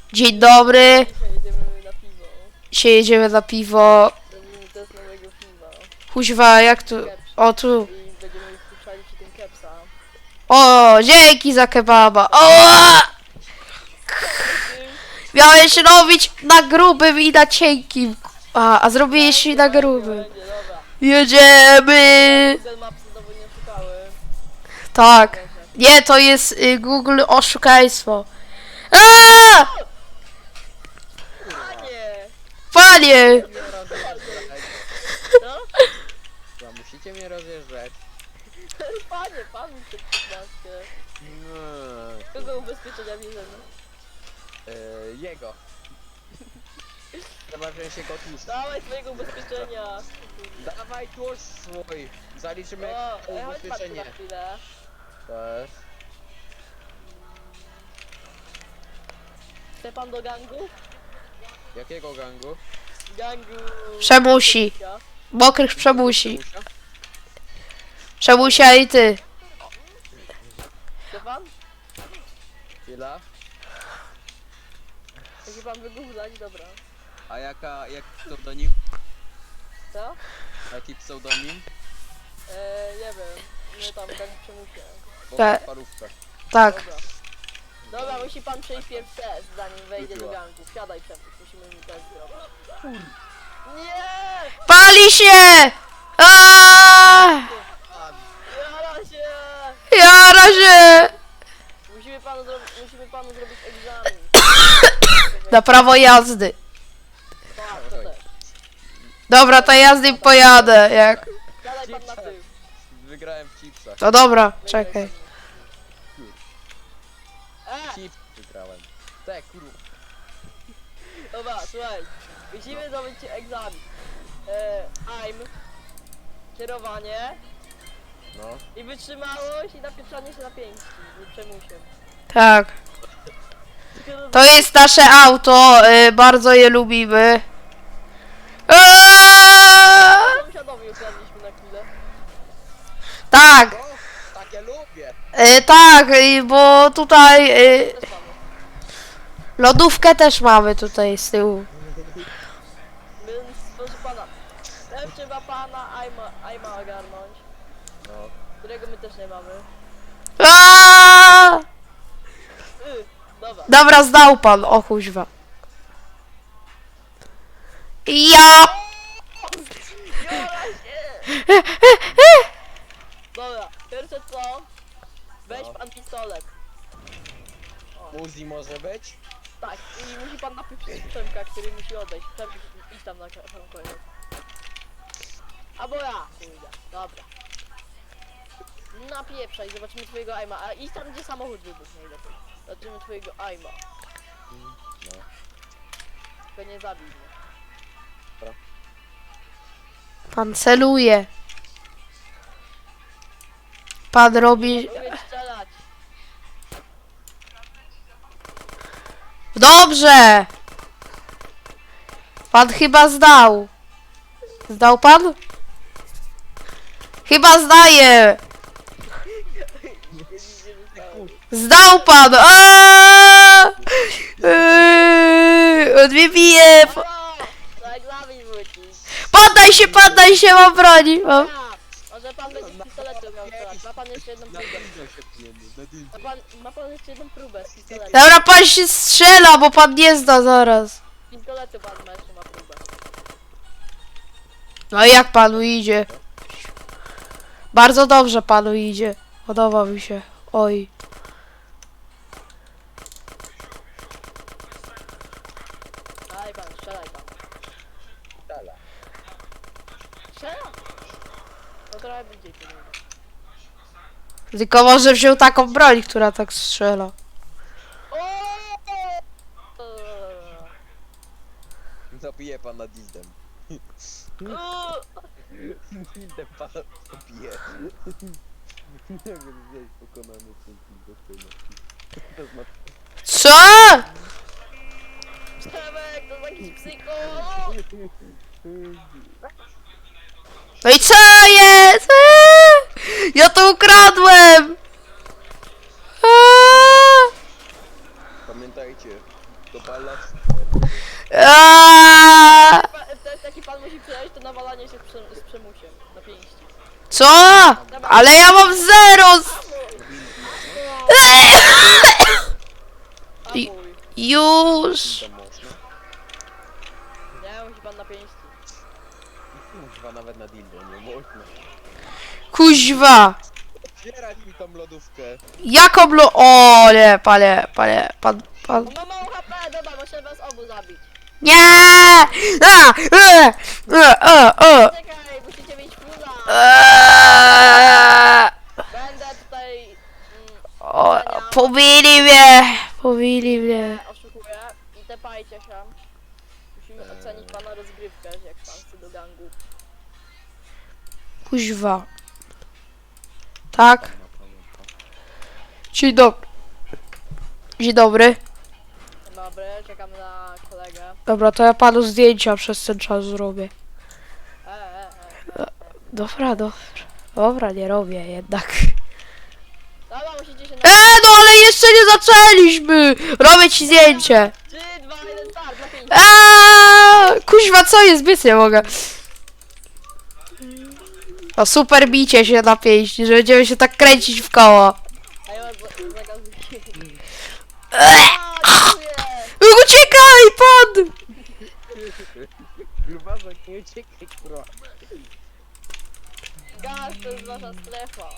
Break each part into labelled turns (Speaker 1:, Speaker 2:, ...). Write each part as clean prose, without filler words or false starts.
Speaker 1: Dzień dobry.
Speaker 2: Dzisiaj jedziemy na piwo.
Speaker 1: Dzisiaj jedziemy na piwo.
Speaker 2: Robimy test nowego piwa.
Speaker 1: Kuźwa, jak tu? O, tu.
Speaker 2: I będziemy wpuszczali przy tym kepsa.
Speaker 1: O, dzięki za kebaba. O! Miałeś robić na grubym i na cienkim. A zrobiłeś i na grubym.
Speaker 2: Będzie, dobra.
Speaker 1: Jedziemy!
Speaker 2: Google Mapsy znowu nie szukały.
Speaker 1: Tak. Nie, to jest Google oszukaństwo. A!
Speaker 2: Panie!
Speaker 1: Panie!
Speaker 2: No?
Speaker 3: No, musicie mnie rozjeżdżać.
Speaker 2: Panie, pan mi przed 15.
Speaker 3: No,
Speaker 2: Kogo ubezpieczenia bierzemy?
Speaker 3: jego. Zobaczymy się go tłuszcz.
Speaker 2: Dawaj swojego ubezpieczenia.
Speaker 3: Dawaj tłuszcz swój. Zaliczymy
Speaker 2: O, chodź pan tu
Speaker 3: ubezpieczenie.
Speaker 2: na chwilę.
Speaker 3: Też.
Speaker 2: Chce pan do gangu?
Speaker 3: Jakiego gangu?
Speaker 2: Gangu...
Speaker 1: Przemusi. Mokrych przemusi.
Speaker 3: Musia?
Speaker 1: Przemusia i ty.
Speaker 2: Chce pan?
Speaker 3: Chwila.
Speaker 2: Chce pan wygooglać? Dobra.
Speaker 3: A jaki pseudonim?
Speaker 2: Co?
Speaker 3: Jaki pseudonim?
Speaker 2: Nie wiem. Nie tam gang przemusia.
Speaker 3: Bo
Speaker 1: Tak.
Speaker 3: parówka.
Speaker 1: Tak.
Speaker 2: Dobra. Dobra, musi pan przejść pierwszy test, zanim wejdzie do
Speaker 3: Wróciła.
Speaker 2: gangu. Wsiadaj Przemuś, musimy mi test zrobić. Nie!
Speaker 1: Pali się! Aaaa!
Speaker 2: Jara się!
Speaker 1: Jara się!
Speaker 2: Musimy panu zrobić egzamin.
Speaker 1: Na prawo jazdy.
Speaker 2: Tak, to też.
Speaker 1: Dobra, to ja z nim pojadę, jak...
Speaker 2: Siadaj pan na tył.
Speaker 3: Wygrałem w chipsach.
Speaker 1: No dobra, czekaj.
Speaker 3: Chips wygrałem. Te kurwa.
Speaker 2: Dobra, słuchaj. Musimy zrobić egzamin. Aim. Kierowanie.
Speaker 3: No.
Speaker 2: I wytrzymałość i napieprzanie się na pięści. Nie przemusiem.
Speaker 1: Tak. To jest nasze auto, bardzo je lubimy. Aaaa!
Speaker 2: Sąsiadowi ukradliśmy na chwilę.
Speaker 1: Tak,
Speaker 3: O, takie lubię.
Speaker 1: tak, bo tutaj
Speaker 2: Też mamy.
Speaker 1: lodówkę też mamy tutaj z tyłu.
Speaker 2: Więc proszę pana. Najpierw trzeba pana Aima ogarnąć.
Speaker 3: No.
Speaker 2: Którego my też nie mamy.
Speaker 1: Aaaa!
Speaker 2: Dobra.
Speaker 1: Dobra, zdał pan, o kuźwa. Ja!
Speaker 2: Jora się! Dobra, pierwsze co? Weź
Speaker 3: No.
Speaker 2: pan pistolet.
Speaker 3: Uzi może być?
Speaker 2: Tak, i musi pan napieprzyć Przemka, który musi odejść. Przemk, idź tam na sam koniec. Albo ja pójdę, dobra. Napieprzaj, zobaczymy twojego aima. A idź tam, gdzie samochód wybuchł najlepiej. Zobaczymy twojego aima.
Speaker 3: No.
Speaker 2: Tylko nie zabij mnie.
Speaker 1: Pan celuje. Pan robi...
Speaker 2: Mogę strzelać.
Speaker 1: Dobrze! Pan chyba zdał. Zdał pan? Chyba zdaje. Zdał pan! Aaaa! On mnie bije!
Speaker 2: Na egzamin wrócić.
Speaker 1: Poddaj się, mam broni! Mam.
Speaker 2: Może pan będzie z pistoletu miał strzelać. Ma pan jeszcze jedną próbę. Ma pan jeszcze jedną próbę z pistoletu.
Speaker 1: Dobra, pan się strzela, bo pan nie zda zaraz.
Speaker 2: Z pistoletu pan ma jeszcze ma próbę.
Speaker 1: No i jak panu idzie? Bardzo dobrze panu idzie. Podoba mi się. Oj.
Speaker 2: Daj pan, strzelaj pan.
Speaker 3: Dala.
Speaker 2: Strzela? No trochę bardziej to nie.
Speaker 1: Tylko może wziął taką broń, która tak strzela.
Speaker 3: Zabiję pana dildem. Dildem pana zabiję. Nie wiem, gdzieś pokonany to znaczy...
Speaker 1: Co?
Speaker 2: Przemek, to jakiś psycho!
Speaker 1: No i co jest? Ja to ukradłem!
Speaker 3: Pamiętajcie, To balast.
Speaker 1: Aaaa!
Speaker 2: Taki pan musi przejść to nawalanie się z przemusiem na pięści.
Speaker 1: Co? Ale ja mam 0!
Speaker 2: A
Speaker 1: I-
Speaker 2: mój.
Speaker 1: Już!
Speaker 3: To można.
Speaker 2: Nie, musi pan na pięści.
Speaker 3: Kurwa, nawet na dildo nie można.
Speaker 1: Kuźwa!
Speaker 3: Otwierać mi tą lodówkę.
Speaker 1: Jaką O nie, pan.
Speaker 2: On ma mało HP, dobra, muszę was obu zabić.
Speaker 1: Nie! A!
Speaker 2: Czekaj, musicie mieć fuza.
Speaker 1: Eee!
Speaker 2: Będę tutaj
Speaker 1: O, pobili mnie.
Speaker 2: oszukuję i tepajcie się. Musimy ocenić pana rozgrywkę, jak pan chce do gangu.
Speaker 1: Kuźwa. Tak? Dzień dobry. Dzień dobry.
Speaker 2: Dzień dobry, czekam na kolegę.
Speaker 1: Dobra, to ja panu zdjęcia przez ten czas zrobię.
Speaker 2: E.
Speaker 1: Dobra. Dobra, nie robię jednak.
Speaker 2: Dobra, musicie się na...
Speaker 1: No ale jeszcze nie zaczęliśmy! Robię ci zdjęcie.
Speaker 2: 3, 2, 1, start, na 5.
Speaker 1: Kuźwa, co jest? Biec nie mogę. O, super bicie się na pięści, że będziemy się tak kręcić w koło.
Speaker 2: A ja zagazuję.
Speaker 1: Uciekaj, pan!
Speaker 3: Grubasek, nie uciekaj, kurwa.
Speaker 2: Gaz to jest wasza strefa.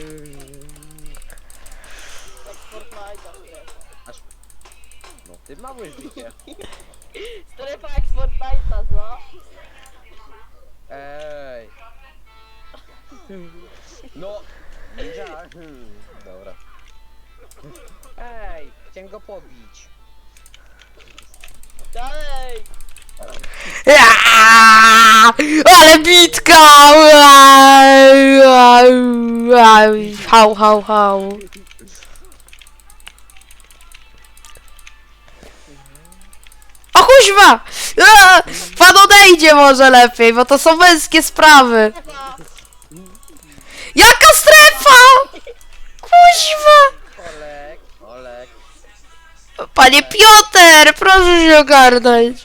Speaker 2: Jak Fortnite'a strefa.
Speaker 3: No ty mały życie.
Speaker 2: Strefa jak z Fortnite'a, co?
Speaker 3: Ej. No. Ninja. Dobra. Ej, chciałem go pobić.
Speaker 2: Dalej!
Speaker 1: Ale bitka! Hał. O kuźwa! Pan odejdzie może lepiej, bo to są męskie sprawy.
Speaker 2: Strefa!
Speaker 1: Jaka strefa? Kuźwa!
Speaker 3: Olek.
Speaker 1: Panie Piotr, proszę się ogarnąć.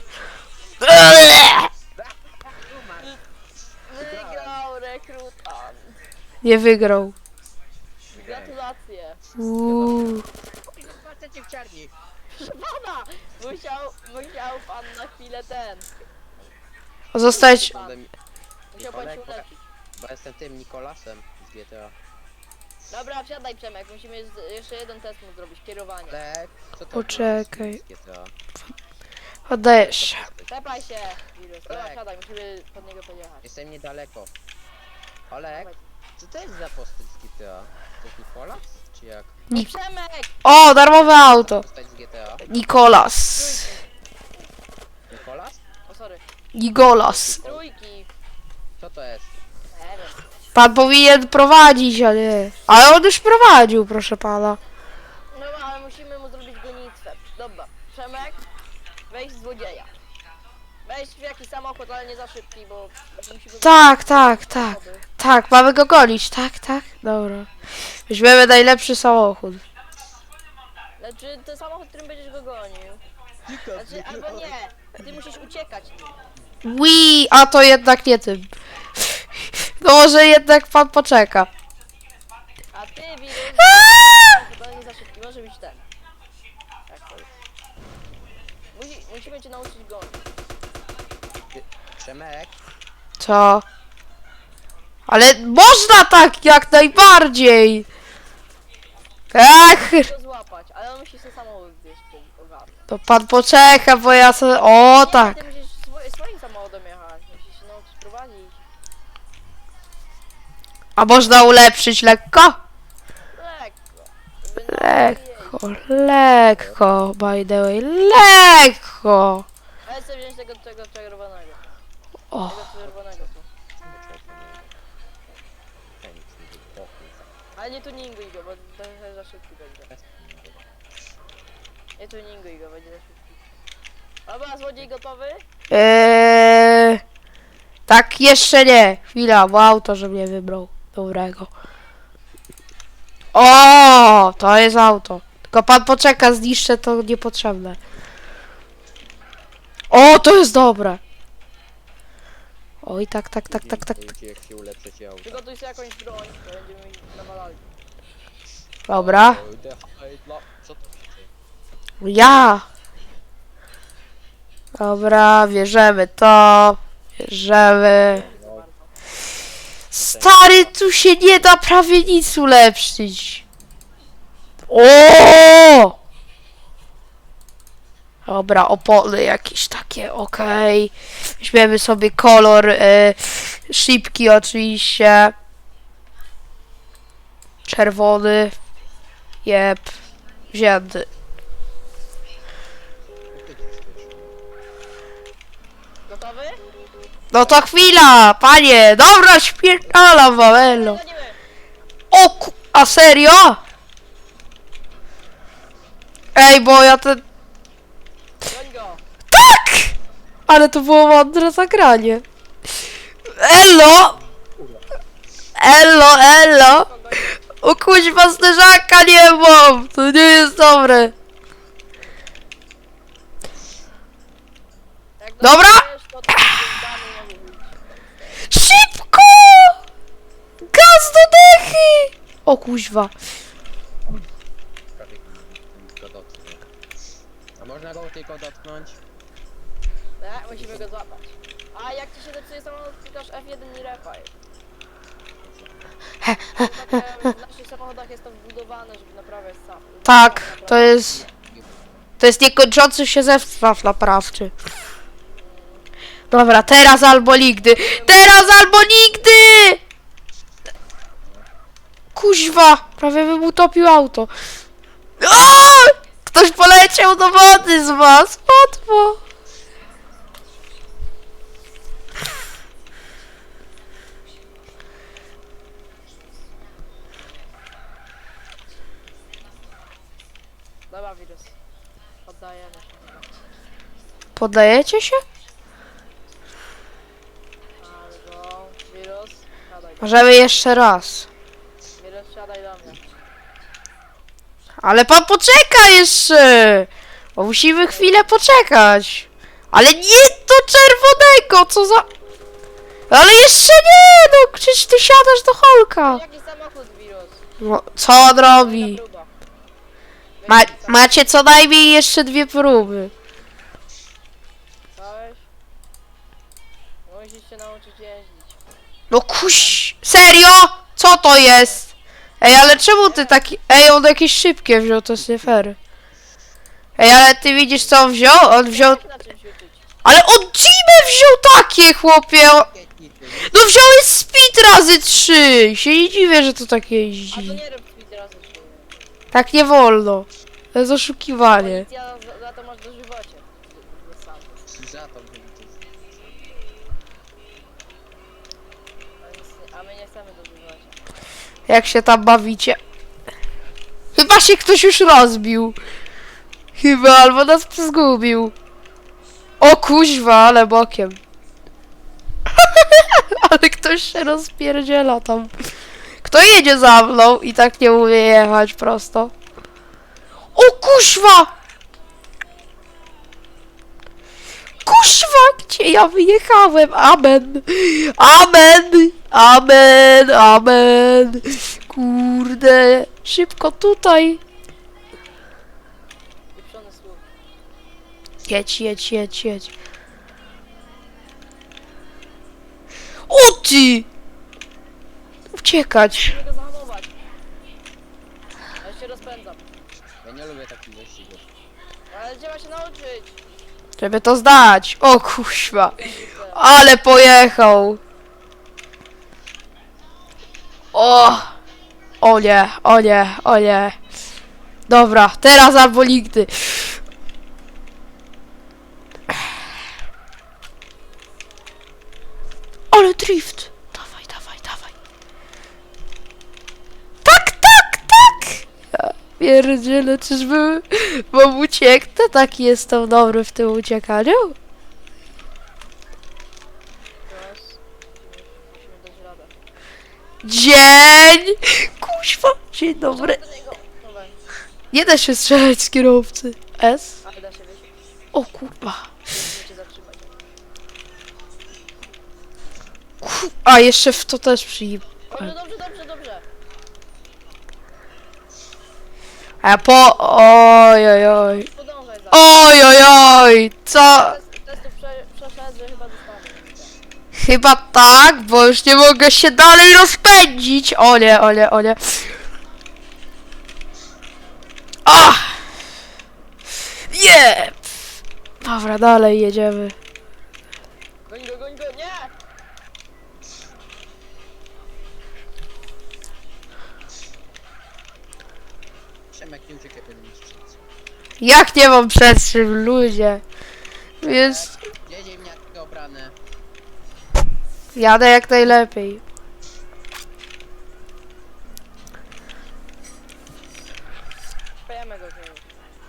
Speaker 2: Wygrał rekrutant.
Speaker 1: Nie wygrał.
Speaker 2: Gratulacje.
Speaker 3: Patrzcie w czarni.
Speaker 2: Proszę pana! Musiał pan na chwilę
Speaker 1: Zostać...
Speaker 2: Musiał pan się uleczyć.
Speaker 3: Bo jestem tym Nikolasem z GTA.
Speaker 2: Dobra, wsiadaj Przemek, musimy jeszcze jeden test mu zrobić, kierowanie.
Speaker 3: Olek, co to
Speaker 1: Poczekaj.
Speaker 3: było z GTA?
Speaker 1: Oddajesz się.
Speaker 2: Tepaj się! Wirus. Dobra,
Speaker 3: Tak.
Speaker 2: wsiadaj, musimy pod niego podjechać.
Speaker 3: Jestem niedaleko. Olek, co to jest za postać z GTA? To jest Nikolas? Czy jak?
Speaker 2: No Przemek!
Speaker 1: O, darmowe auto.
Speaker 3: Postać z GTA?
Speaker 1: Nikolas.
Speaker 3: Nikolas?
Speaker 2: O sorry.
Speaker 1: Nigolas.
Speaker 2: Trójki.
Speaker 3: Co to jest?
Speaker 2: Nie wiem.
Speaker 1: Pan powinien prowadzić, a nie. Ale on już prowadził, proszę pana.
Speaker 2: No ale musimy mu zrobić gonitwę. Dobra, Przemek, weź złodzieja. Weź w jakiś samochód, ale nie za szybki, bo musimy...
Speaker 1: Tak. Tak, mamy go gonić. Tak. Dobra. Weźmiemy najlepszy samochód.
Speaker 2: Znaczy, ten samochód, którym będziesz go gonił. Znaczy, albo nie. Ty musisz uciekać nim.
Speaker 1: A to jednak nie tym. No może jednak pan poczeka.
Speaker 2: A ty, wirus, ale nie za szybki, może być ten. Tak to jest. Musimy cię nauczyć gonić.
Speaker 3: Przemek?
Speaker 1: Co? Ale można tak jak najbardziej. Ach,
Speaker 2: Go złapać, ale on musi sobie samochód gdzieś ogarnąć.
Speaker 1: to pan poczeka, bo ja sobie... O,
Speaker 2: Nie,
Speaker 1: tak.
Speaker 2: ty musisz swoim samochodem jechać, musisz się nauczyć prowadzić.
Speaker 1: A można ulepszyć lekko?
Speaker 2: Lekko. Żeby nie
Speaker 1: Lekko, by the way, lekko.
Speaker 2: ale chcę wziąć tego czerwonego.
Speaker 1: O,
Speaker 2: Tego czerwonego tu. Ale nie tuninguj go, bo trochę za szybki będzie. Nie tuninguj go, będzie za szybki. Dobra, złodziej gotowy?
Speaker 1: tak jeszcze nie. Chwila, bo auto, że mnie wybrał. Dobrego. O, to jest auto. Tylko pan poczeka, zniszczę to niepotrzebne. O, to jest dobre. Oj, tak.
Speaker 3: Jak się ulepszycie auto.
Speaker 2: Przygotuj sobie jakąś broń, to będziemy mieć nawalali.
Speaker 1: Dobra.
Speaker 3: Co to znaczy?
Speaker 1: Ja. Dobra, bierzemy to. Bierzemy. Stary, tu się nie da prawie nic ulepszyć. O! Dobra, opony jakieś takie, okej. Weźmiemy sobie kolor szybki oczywiście. Czerwony. Jep. Wzięty.
Speaker 2: Gotowy?
Speaker 1: No to chwila, panie. Dobra, śpierdalam wam,
Speaker 2: Gonimy!
Speaker 1: a serio? Ej, bo ja ten...
Speaker 2: Goń go!
Speaker 1: Tak! Ale to było mądre zagranie. Elo! Elo! O kuźwa, zderzaka nie mam! To nie jest dobre.
Speaker 2: Jak
Speaker 1: Dobra.
Speaker 2: dostaniesz, to tam dany nie mówić.
Speaker 1: Szybko! Gaz do dechy! O kuźwa.
Speaker 3: Prawie go dotknę. A można go tylko dotknąć?
Speaker 2: Tak, musimy go złapać. A jak ci się zepsuje samochód, klikasz F1 i repaj. W naszych samochodach jest to wbudowane, żeby naprawiać sam.
Speaker 1: Tak, to jest... To jest niekończący się zestaw naprawczy. Dobra, teraz albo nigdy. Teraz albo nigdy! Kuźwa! Prawie bym utopił auto. O! Ktoś poleciał do wody z was. Łatwo.
Speaker 2: Dobra, wirus. Oddajemy się.
Speaker 1: Poddajecie się?
Speaker 2: Albo wirus, siadaj.
Speaker 1: Możemy jeszcze raz.
Speaker 2: Wirus, siadaj do mnie.
Speaker 1: Ale pan poczeka jeszcze! Bo musimy chwilę poczekać. Ale nie do czerwonego, co za... Ale jeszcze nie! No przecież ty siadasz do Holka.
Speaker 2: Jaki samochód, wirus?
Speaker 1: No, co on
Speaker 2: Kolejna
Speaker 1: robi?
Speaker 2: próba.
Speaker 1: Macie co najmniej jeszcze 2 próby.
Speaker 2: Całeś? Musisz się nauczyć jeździć.
Speaker 1: No kuś... Serio? Co to jest? Ej, ale czemu ty taki... Ej, on jakieś szybkie wziął, to jest nie fair. Ej, ale ty widzisz co on wziął? On wziął...
Speaker 2: Jak na czymś uczyć?
Speaker 1: Ale on Jimę wziął takie, chłopie! No wziąłeś speed razy 3! Się nie dziwię, że to tak
Speaker 2: A to
Speaker 1: jeździ.
Speaker 2: nie rób speed razy 3.
Speaker 1: Tak nie wolno. To jest oszukiwanie.
Speaker 2: Policja za to masz dożywocie.
Speaker 3: Za to bym
Speaker 2: A my nie chcemy dożywocia.
Speaker 1: Jak się tam bawicie? Chyba się ktoś już rozbił. Chyba, albo nas zgubił. O kuźwa, ale bokiem. Ale ktoś się rozpierdziela tam. Kto jedzie za mną i tak nie umie jechać prosto? O kuźwa! Kuźwa, gdzie ja wyjechałem? Amen. Amen. Amen. Amen. Kurde. Szybko tutaj.
Speaker 2: Pieprzony słów.
Speaker 1: Jedź. O ty! Uciekać.
Speaker 2: Musimy go zahamować. Ja się rozpędzam.
Speaker 3: Ja nie lubię takich wyścigów.
Speaker 2: Ale trzeba się nauczyć.
Speaker 1: Żeby to zdać. O kuźwa. Ale pojechał. O! O nie. Dobra, teraz albo nigdy. Ale drift. Dawaj. Tak. Ja pierdzielę, czyżby mam ucieknę? Tak jestem dobry w tym uciekaniu?
Speaker 2: Teraz musimy dać radę.
Speaker 1: Dzień! Kuźwa, dzień dobry.
Speaker 2: Do niego. Dobra,
Speaker 1: Nie da się strzelać z kierowcy. S?
Speaker 2: ale da się wyjść.
Speaker 1: O kurwa.
Speaker 2: Musimy cię zatrzymać.
Speaker 1: A, jeszcze w to też przyjmę.
Speaker 2: Dobrze, dobrze, dobrze, dobrze.
Speaker 1: A ja po... Oj, oj, oj.
Speaker 2: Podążaj za.
Speaker 1: Oj, oj, oj. Co?
Speaker 2: Testu przeszedł, że chyba dostanę.
Speaker 1: Chyba tak, bo już nie mogę się dalej rozpędzić. O nie, o nie, o nie. Ach! Nie! Dobra, dalej jedziemy.
Speaker 2: Goń go, nie!
Speaker 3: Przemek, nie uciekaj po niszczycy.
Speaker 1: Jak nie mam przed czym, ludzie? Jest...
Speaker 3: Gdzie ziemniaki obrane?
Speaker 1: Jadę jak najlepiej.
Speaker 2: Pejemy go z nim.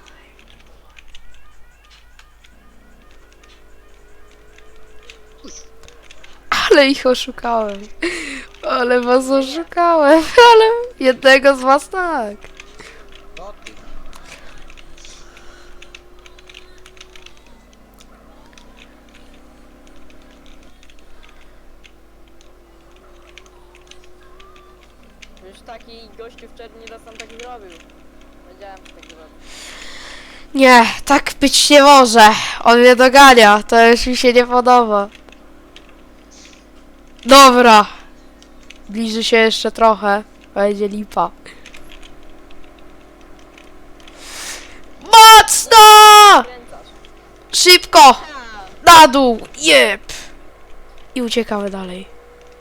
Speaker 1: Ale ich oszukałem. Ale was oszukałem. Ale jednego z was tak.
Speaker 3: To ty.
Speaker 2: Już taki gościu wczoraj nie raz tam tak zrobił. Wiedziałem, że tak zrobił.
Speaker 1: Nie, tak być nie może. On mnie dogania. To już mi się nie podoba. Dobra. Bliży się jeszcze trochę. Będzie lipa. Mocno!
Speaker 2: Kręcasz.
Speaker 1: Szybko!
Speaker 2: Ha!
Speaker 1: Na dół! Jep! I uciekamy dalej.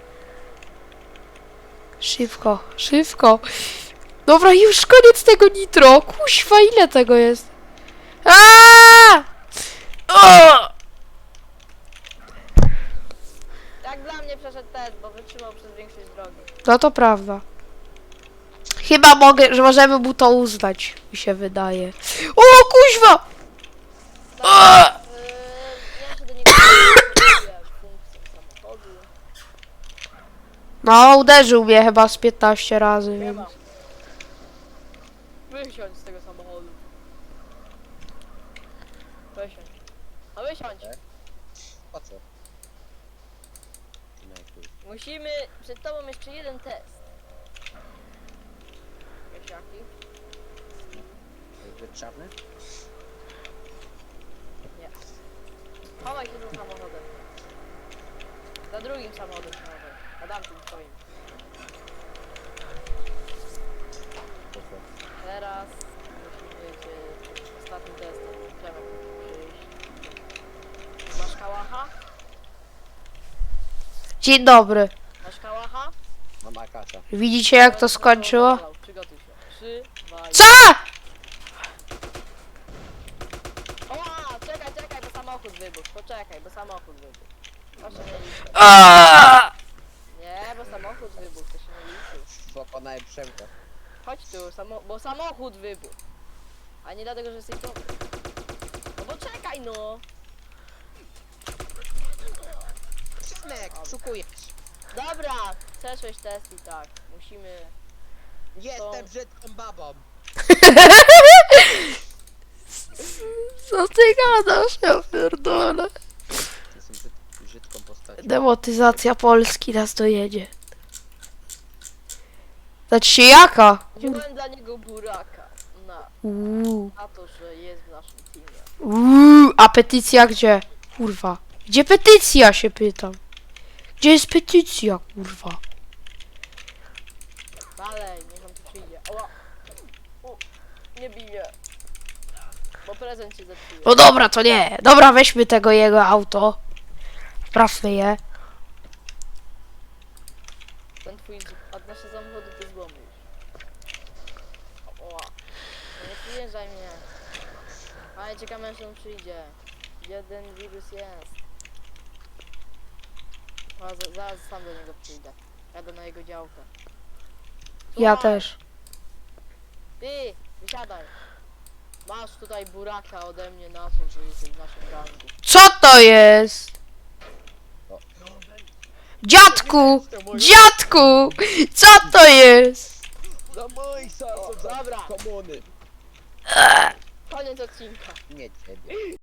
Speaker 1: Szybko, szybko. Dobra, już koniec tego nitro. Kuźwa, ile tego jest? Aaaa! O!
Speaker 2: Jak dla mnie przeszedł test, bo wytrzymał przez większość drogi.
Speaker 1: No to prawda. Chyba mogę, że możemy mu to uznać, mi się wydaje. O, kuźwa!
Speaker 2: Dobra, ja się do niego funkcję samochodu.
Speaker 1: No, uderzył mnie chyba z 15 razy,
Speaker 2: Nie
Speaker 1: więc...
Speaker 2: ma. Wysiądź z tego samochodu. Wysiądź. No wysiądź.
Speaker 3: Po co? Przemek,
Speaker 2: Musimy... Przed tobą jeszcze jeden test. Wiesz jaki?
Speaker 3: jest zbyt czarny?
Speaker 2: Nie. Chowaj się za samochodem. Za drugim samochodem chowaj. Na tamtym twoim.
Speaker 3: Po co?
Speaker 2: Teraz musimy cię ostatnim testem. Przemek musi przyjść. Masz kałacha?
Speaker 1: Dzień dobry.
Speaker 2: Masz kałacha?
Speaker 3: Mam akacza.
Speaker 1: Widzicie jak to skończyło?
Speaker 2: Przygotuj się. 3, 2, 1.
Speaker 1: Co?!
Speaker 2: Oła! Czekaj, bo samochód wybuchł. Poczekaj, bo samochód wybuchł. Proszę nie liczyć.
Speaker 1: Aaaa!
Speaker 2: Nie, bo samochód wybuchł, to się nie liczy.
Speaker 3: Pokonałem Przemka.
Speaker 2: Chodź tu, bo samochód wybuchł. A nie dlatego, że jesteś dobry. No bo czekaj no!
Speaker 3: Przemek, szukujesz.
Speaker 2: Dobra, przeszłeś test i tak. Musimy...
Speaker 3: Jestem brzydką babą.
Speaker 1: Co ty gadasz? Ja pierdolę.
Speaker 3: Jestem brzydką postacią.
Speaker 1: Demotyzacja Polski nas dojedzie. Znaczy się jaka?
Speaker 2: Wziąłem dla niego buraka.
Speaker 1: Uuu.
Speaker 2: Na to, że jest w naszym teamie.
Speaker 1: A petycja gdzie? Kurwa. Gdzie petycja się pytam? Gdzie jest petycja, kurwa?
Speaker 2: Dalej, niech on tu przyjdzie. Oła! Nie bije. Bo prezent cię zepsuje.
Speaker 1: No dobra, to nie. Dobra, weźmy tego jego auto. Sprawmy je.
Speaker 2: Ten twój... A nasze samochody to złomy już. Oła. No nie przyjeżdżaj mnie. Ale czekamy aż on przyjdzie. Jeden wirus jest. A, zaraz sam do niego przyjdę. Jadę na jego działkę.
Speaker 1: Ja
Speaker 2: Słuchaj,
Speaker 1: też.
Speaker 2: Ty, wysiadaj. Masz tutaj buraka ode mnie na to, że jesteś w naszym rangu.
Speaker 1: Co to jest? Dziadku! Dziadku! Co to jest?
Speaker 3: Za mój
Speaker 2: Dobra.
Speaker 3: komuny.
Speaker 2: Koniec odcinka.
Speaker 3: Nie ciebie.